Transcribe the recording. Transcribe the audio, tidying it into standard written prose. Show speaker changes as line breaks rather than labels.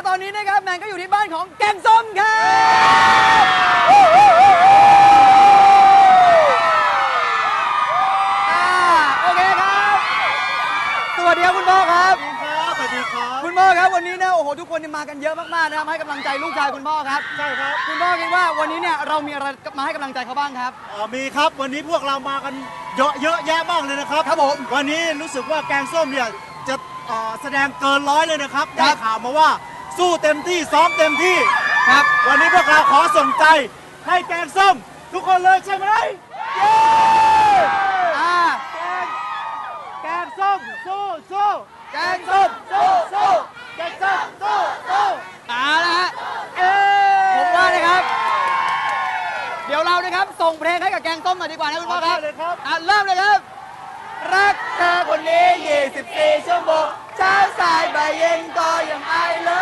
ตอนนี้นะครับแมนก็อยู่ที่บ้านของแกงส้มครับโอเคครับสวัสดีครับคุณพ่อครับ
สวัสดีครับ
คุณพ่อครับวันนี้เนี่ยโอ้โหทุกคนมากันเยอะมากๆนะครับให้กำลังใจลูกชายคุณพ่อครับ
ใช่ครับ
คุณพ่อคิดว่าวันนี้เนี่ยเรามีอะไรมาให้กำลังใจเขาบ้างครับ
มีครับวันนี้พวกเรามากันเยอะแยะมากเลยนะครับ
ครับผม
วันนี้รู้สึกว่าแกงส้มเนี่ยจะแสดงเกินร้อยเลยนะครับได้ข่าวมาว่าสู้เต็มที่ซ้อมเต็มที่
ครับ
วันนี้พวกเราขอส่งใจให้แกงส้มทุกคนเลยใช่ไหมเย้แกงส้มสู้
แกงส้มสู้
แกงส้มสู้
นะฮะผมว่านะครับเดี๋ยวเรานะครับส่งเพลงให้กับแกงส้มหน่อยดีกว่านะคุณพ่อครับ
เลยครับ
เริ่มเลยครับรักเธอคนนี้24 ชั่วโมงเช้าสายบ่ายเย็นก็ยัง I love